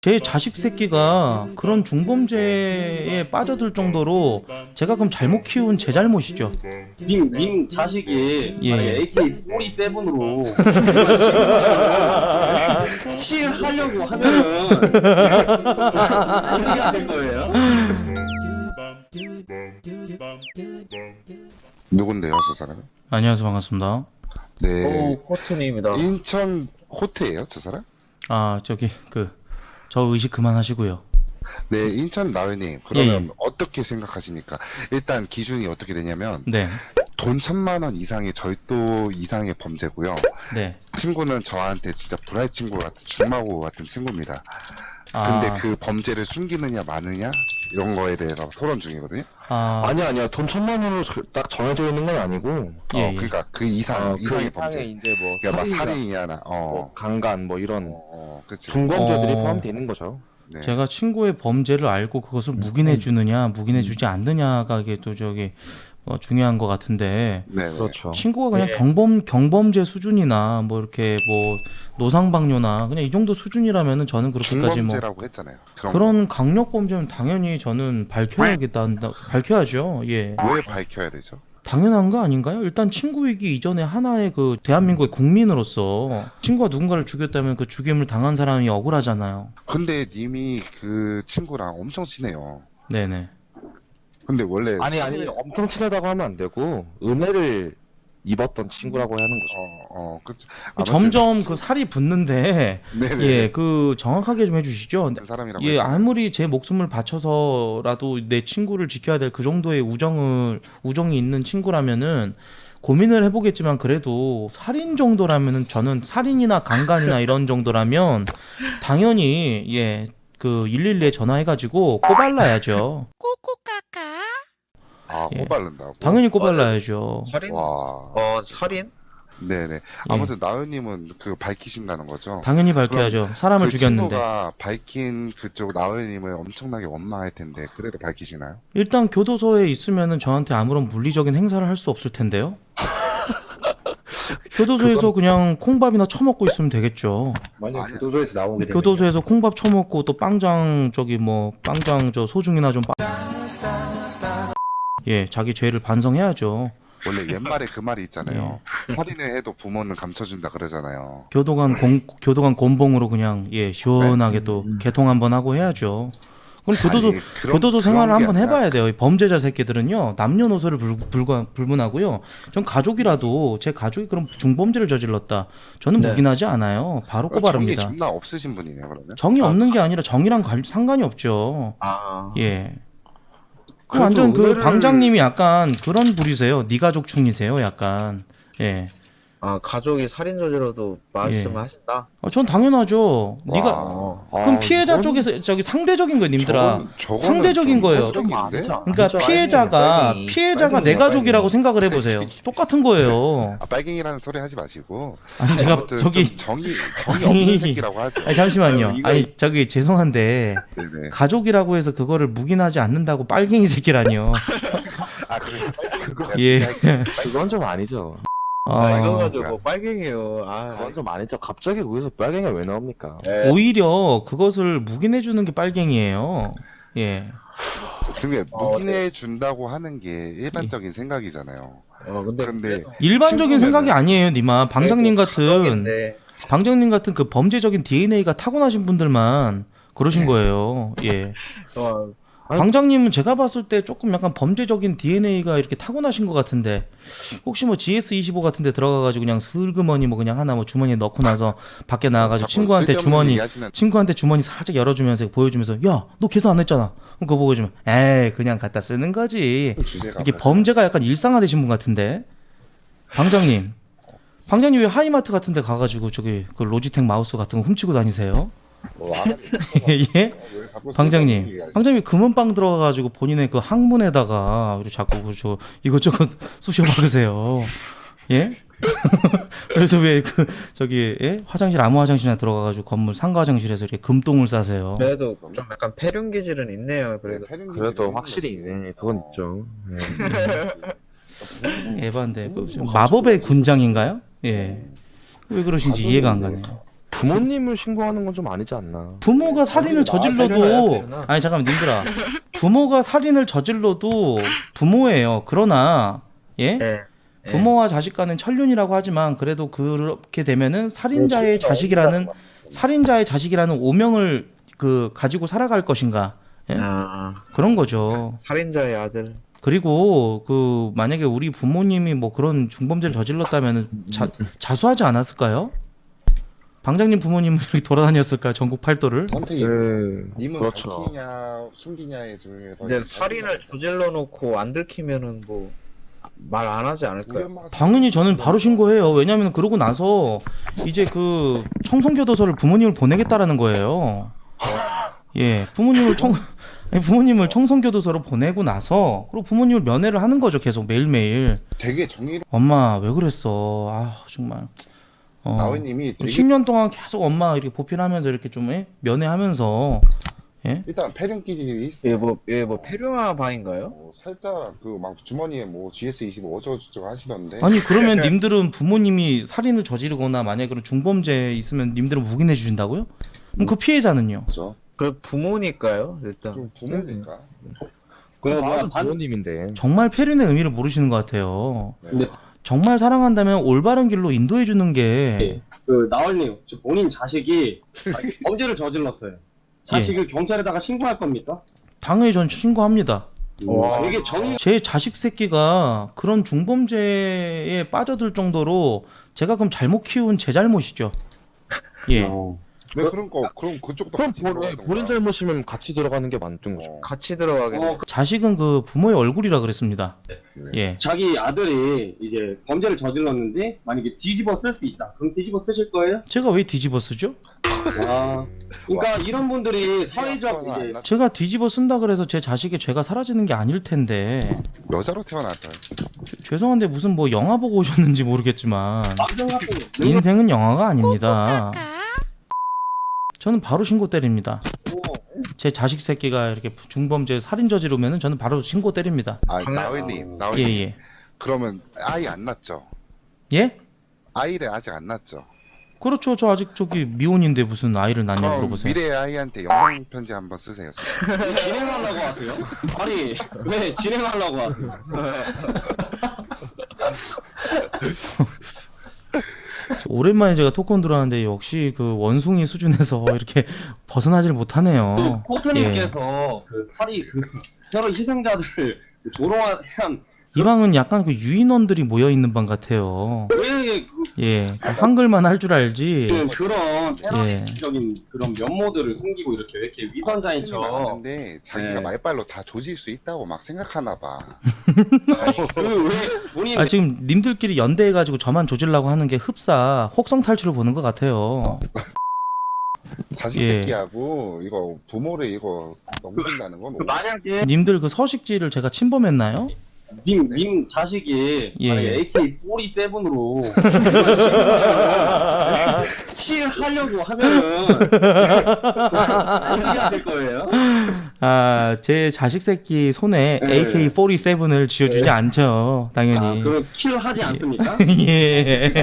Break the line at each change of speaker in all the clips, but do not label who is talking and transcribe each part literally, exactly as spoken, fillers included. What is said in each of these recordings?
제 자식 새끼가 그런 중범죄에 빠져들 정도로 제가 그럼 잘못 키운 제 잘못이죠.
님, 님 자식이
예.
만약에 에이케이 사십칠으로 킬하려고 하면은 어떻게 하실 거예요?
누군데요, 저 사람은?
안녕하세요, 반갑습니다.
네.
오, 호튼입니다.
인천 호태예요, 저 사람?
아 저기 그 저 의식 그만하시고요.
네, 인천 나은님. 그러면
예, 예.
어떻게 생각하십니까? 일단 기준이 어떻게 되냐면
네,
돈 천만 원 이상의 절도 이상의 범죄고요.
네.
친구는 저한테 진짜 불알 친구 같은 중마고 같은 친구입니다.
아,
근데 그 범죄를 숨기느냐 마느냐 이런 거에 대해서 토론 중이거든요.
아,
아니야 아니야 돈 천만 원으로 저- 딱 정해져 있는 건 아니고
예,
어,
예.
그러니까 그 이상
어,
이상의
그
범죄.
이상의 이제 뭐
그러니까 막
살인이나
살인이나 나 어.
뭐 강간 뭐 이런
어, 그치.
중범죄들이
어.
포함되어 있는 거죠.
네.
제가 친구의 범죄를 알고 그것을 묵인해 주느냐, 묵인해 주지 않느냐가 이게 또 저기 어, 중요한 것 같은데.
네. 네.
그렇죠.
친구가 그냥
예.
경범 경범죄 수준이나 뭐 이렇게 뭐 노상방뇨나 그냥 이 정도 수준이라면은 저는 그렇게까지 뭐
중범죄라고 했잖아요. 그런
그런 강력 범죄는 당연히 저는 밝혀야겠다 밝혀야죠. 예.
거. 왜 밝혀야 되죠?
당연한 거 아닌가요? 일단 친구이기 이전에 하나의 그 대한민국의 국민으로서 친구가 누군가를 죽였다면 그 죽임을 당한 사람이 억울하잖아요.
근데 님이 그 친구랑 엄청 친해요.
네네.
근데 원래
아니 아니 엄청 친하다고 하면 안 되고 은혜를 입었던 친구라고 하는 거죠.
어, 어, 그
점점 그 살이 붙는데
네네.
예, 그 정확하게 좀 해주시죠.
그 사람이라고
예,
했잖아요.
아무리 제 목숨을 바쳐서라도 내 친구를 지켜야 될 그 정도의 우정을 우정이 있는 친구라면은 고민을 해보겠지만 그래도 살인 정도라면은 저는 살인이나 강간이나 이런 정도라면 당연히 예, 그 일일이에 전화해가지고 꼬발라야죠.
아,
예.
호발른다고.
당연히 꼬발라야죠.
살인?
와.
어, 살인?
네네. 아무튼 나은님은 그 밝히신다는 거죠.
당연히 밝혀야죠. 사람을
그
죽였는데.
친구가 밝힌 그쪽 나은님을 엄청나게 원망할 텐데 그래도 밝히시나요?
일단 교도소에 있으면은 저한테 아무런 물리적인 행사를 할 수 없을 텐데요. 교도소에서 그냥 콩밥이나 처먹고 있으면 되겠죠.
만약
아니야.
교도소에서 나오게 되면
교도소에서 콩밥 처먹고 또 빵장 저기 뭐 빵장 저 소중이나 좀 빠... 예, 자기 죄를 반성해야죠.
원래 옛말에 그 말이 있잖아요.
예.
살인을 해도 부모는 감춰준다 그러잖아요.
교도관 공 교도관 곤봉으로 그냥 예 시원하게
네.
또 개통 한번 하고 해야죠. 그럼 교도소
아니, 그런-
교도소 생활을
그런 게
한번
아니라
해봐야 돼요. 이 범죄자 새끼들은요 남녀노소를 불, 불과, 불문하고요. 전 가족이라도 제 가족이 그런 중범죄를 저질렀다. 저는
네.
묵인하지 않아요. 바로
정이
꼬바릅니다.
존나 없으신 분이네요, 그러면.
정이 없는 게 아니라 정이랑 관- 상관이 없죠.
아,
예. 그
그래도
완전 그
은혜를-
방장님이 약간 그런 부리세요. 네 가족 충이세요. 약간. 예.
아 가족이 살인 저지러도 말씀을 하신다?
어, 전 당연하죠. 네가
어,
그럼
아,
피해자
이건-
쪽에서 저기 상대적인 거예요, 님들아.
저건- 저거는
상대적인
좀
거예요.
이상적인데?
그러니까 피해자가 피해자가 내 가족이라고 생각을 해보세요. 똑같은 거예요.
아, 빨갱이라는 소리 하지 마시고.
아니 제가
아무튼
저기
좀 정이 정이 없는 새끼라고 하죠.
아니 잠시만요.
이거-
아니 저기 죄송한데
네네.
가족이라고 해서 그거를 묵인하지 않는다고 빨갱이 새끼라니요.
아, 그래. 빨갱이
예.
그건 좀 아니죠.
아,
아,
이거 가지고 빨갱이에요. 아,
그건 좀 아니죠. 갑자기 거기서 빨갱이가 왜 나옵니까?
예.
오히려 그것을 묵인해 주는 게 빨갱이에요. 예.
그게
어,
묵인해 준다고 하는 게 일반적인 생각이잖아요.
어, 근데
근데
그래도
일반적인
친구면은-
생각이 아니에요, 니마. 방장님
그래도
같은
가족인데
방장님 같은 그 범죄적인 디엔에이가 타고나신 분들만 그러신 거예요. 예.
어,
아니-
방장님은 제가 봤을 때 조금 약간 범죄적인 디엔에이가 이렇게 타고나신 것 같은데 혹시 뭐 지에스 이십오 같은 데 들어가가지고 그냥 슬그머니 뭐 그냥 하나 뭐 주머니에 넣고 나서 밖에 나와가지고
자꾸
친구한테
쓸데없는
주머니
얘기하시는-
친구한테 주머니 살짝 열어주면서 보여주면서 야 너 계산 안 했잖아. 그럼 그거 보여주면 에이 그냥 갖다 쓰는 거지.
주제가
이게
벌써-
범죄가 약간 일상화되신 분 같은데 방장님 방장님 왜 하이마트 같은 데 가가지고 저기 그 로지텍 마우스 같은 거 훔치고 다니세요?
뭐 안 하는
예?
왜 자꾸 쓸데없는
방장님,
얘기하시-
방장님 금은방 들어가가지고 본인의 그 항문에다가 이렇게 자꾸 그저 이것저것 쑤셔 박으세요. 예? 그래서 왜 그 저기 예? 화장실 아무 화장실이나 들어가가지고 건물 상가 화장실에서 이렇게 금똥을 싸세요.
그래도 좀 약간 폐륜 기질은 있네요. 그래도
그래도 확실히 네, 그건 있죠. 네.
에반데 그 좀 마법의 군장인가요? 예. 왜 그러신지 이해가 안 가네요.
부모님을 신고하는 건 좀 아니지 않나?
부모가 살인을
살려놔야
저질러도
되나?
아니 잠깐만 님들아 부모가 살인을 저질러도 부모예요. 그러나 예
예. 예.
부모와 자식 간은 천륜이라고 하지만 그래도 그렇게 되면은 살인자의 자식이라는 살인자의 자식이라는 오명을 그 가지고 살아갈 것인가 예?
아,
그런 거죠.
살인자의 아들.
그리고 그 만약에 우리 부모님이 뭐 그런 중범죄를 저질렀다면 자, 자수하지 않았을까요? 방장님 부모님은 이렇게 돌아다녔을까요? 전국 팔도를?
선택이
그
님은
그렇죠.
밝히냐 숨기냐의 중에서
근데 살인을 저질러 놓고 안 들키면은 뭐 말 안 하지
우리
않을까요?
엄마가
당연히 저는 바로 신고해요. 왜냐하면 그러고 나서 이제 그 청송교도소를 부모님을 보내겠다라는 거예요. 예, 부모님을 청 아니, 부모님을 청송교도소로 보내고 나서 그리고 부모님을 면회를 하는 거죠. 계속 매일매일.
되게 정의로
엄마 왜 그랬어? 아 정말. 어,
나은님이 되게
십 년 동안 계속 엄마 이렇게 보필하면서 이렇게 좀 예? 면회하면서 예?
일단 패륜 기질이 있어.
얘 뭐, 얘 뭐 페류마 방인가요?
어, 살짝 그 막 주머니에 뭐 지에스 이십오 어쩌고저쩌고 하시던데.
아니 그러면 님들은 부모님이 살인을 저지르거나 만약에 그런 중범죄 있으면 님들은 묵인해 주신다고요? 그럼 그 피해자는요?
그죠?
그 부모니까요, 일단.
좀 부모니까.
그 뭐야
맞아
반
부모님인데.
정말 페륜의 의미를 모르시는 것 같아요.
근데
정말 사랑한다면 올바른 길로 인도해 주는 게
그 나얼님 저 본인 자식이 범죄를 저질렀어요. 자식을 경찰에다가 신고할 겁니까?
당연히 전 신고합니다.
와.
되게 정의
제 자식 새끼가 그런 중범죄에 빠져들 정도로 제가 그럼 잘못 키운 제 잘못이죠. 예.
어.
네 그런 거 그럼 그쪽도
그럼
같이
본,
들어가던가.
본인 잘못이면 같이 들어가는 게 맞는 거죠.
어.
같이 들어가겠네.
어, 그
자식은 그 부모의 얼굴이라 그랬습니다. 예.
자기 아들이 이제 범죄를 저질렀는데 만약에 뒤집어 쓸 수 있다. 그럼 뒤집어 쓰실 거예요?
제가 왜 뒤집어 쓰죠?
아, 그러니까 이런 분들이 사회적
아빠가
이제
안 낳-
제가 뒤집어 쓴다 그래서 제 자식의 죄가 사라지는 게 아닐 텐데.
여자로 태어났다.
죄- 죄송한데 무슨 뭐 영화 보고 오셨는지 모르겠지만
남성 같은 거
인생은 영화가 아닙니다. 저는 바로 신고 때립니다. 제 자식 새끼가 이렇게 중범죄 살인 저지르면은 저는 바로 신고 때립니다.
아
강남-
나은님, 나은님.
예예.
그러면 아이 안 낳죠?
예?
아이를 아직 안 낳죠?
그렇죠. 저 아직 저기 미혼인데 무슨 아이를 낳냐
그럼
물어보세요.
미래의 아이한테 영상 편지 한번 쓰세요.
진행하려고 하세요? 아니 왜 진행하려고 하세요?
오랜만에 제가 토크온 들어왔는데 역시 그 원숭이 수준에서 이렇게 벗어나질 못하네요.
포트님께서 그 파리 그 테러 희생자들을 조롱한
이 방은 약간 그 유인원들이 모여 있는 방 같아요.
왜 그,
예, 그 한글만 할 줄 알지.
그런
예.
테러적인 그런 면모들을 숨기고 이렇게 왜 이렇게 위선자인 척
맞는데 자기가
네.
말빨로 다 조질 수 있다고 막 생각하나 봐.
그왜 본인
아 지금 님들끼리 연대해가지고 저만 조질라고 하는 게 흡사 혹성 탈출을 보는 것 같아요.
자식
예.
새끼하고 이거 부모를 이거 넘긴다는 건
그
뭐.
만약에
님들 그 서식지를 제가 침범했나요?
님, 님 자식이
예.
만약에 에이케이 사십칠으로 킬 하려고 하면은 어떻게 하실 거예요?
아, 제 자식 새끼 손에
네.
에이케이 사십칠을 쥐어주지 않죠,
아,
당연히.
그럼 킬 하지 않습니까?
예.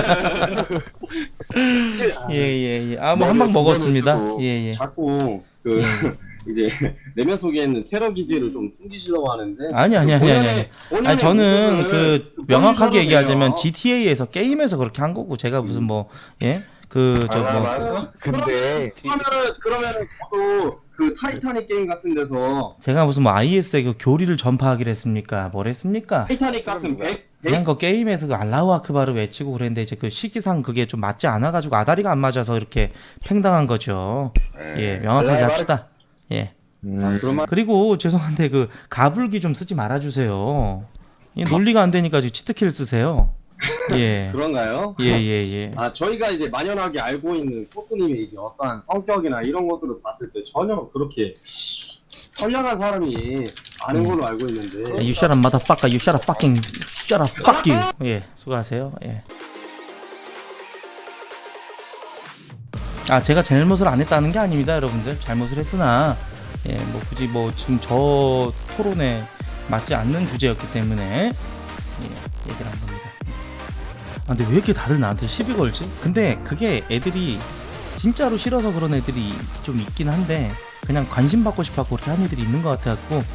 킬, 아,
예, 예, 예. 아, 뭐 한 방 먹었습니다. 예, 예.
자꾸 그 이제 내면 속에 있는 테러 기질을 좀 숨기시려고 하는데
아니, 아니, 아니, 아니, 아니.
본연의
아니, 저는
모습을
그
좀
명확하게
보여주셔도
얘기하자면
돼요.
지티에이에서 게임에서 그렇게 한 거고 제가 무슨 뭐, 예? 그, 저 뭐,
맞아. 근데
그러면은 그러면은 저도 그 타이타닉 게임 같은 데서
제가 무슨 뭐 아이에스의 그 교리를 전파하기로 했습니까? 뭘 했습니까?
타이타닉 같은
누구야?
백
그냥 그 게임에서 그 알라우 아크바를 외치고 그랬는데 이제 그 시기상 그게 좀 맞지 않아가지고 아다리가 안 맞아서 이렇게 팽당한 거죠. 예, 명확하게
알라우
합시다. 예.
음,
그런 말
그리고 죄송한데 그 가불기 좀 쓰지 말아주세요. 이 논리가 안 되니까 지금 치트키를 쓰세요. 예.
그런가요?
예, 예, 예.
아 저희가 이제 만연하게 알고 있는 코트님의 이제 어떠한 성격이나 이런 것들을 봤을 때 전혀 그렇게 선량한 사람이 아는 걸로 알고 있는데
You shut up, motherfucker. You shut up, fucking shut up, fuck you. 예, 수고하세요. 예. 아, 제가 잘못을 안 했다는 게 아닙니다, 여러분들. 잘못을 했으나, 예, 뭐 굳이 뭐 지금 저 토론에 맞지 않는 주제였기 때문에 예, 얘기를 한 겁니다. 아, 근데 왜 이렇게 다들 나한테 시비 걸지? 근데 그게 애들이 진짜로 싫어서 그런 애들이 좀 있긴 한데 그냥 관심 받고 싶어서 그렇게 하는 애들이 있는 것 같아갖고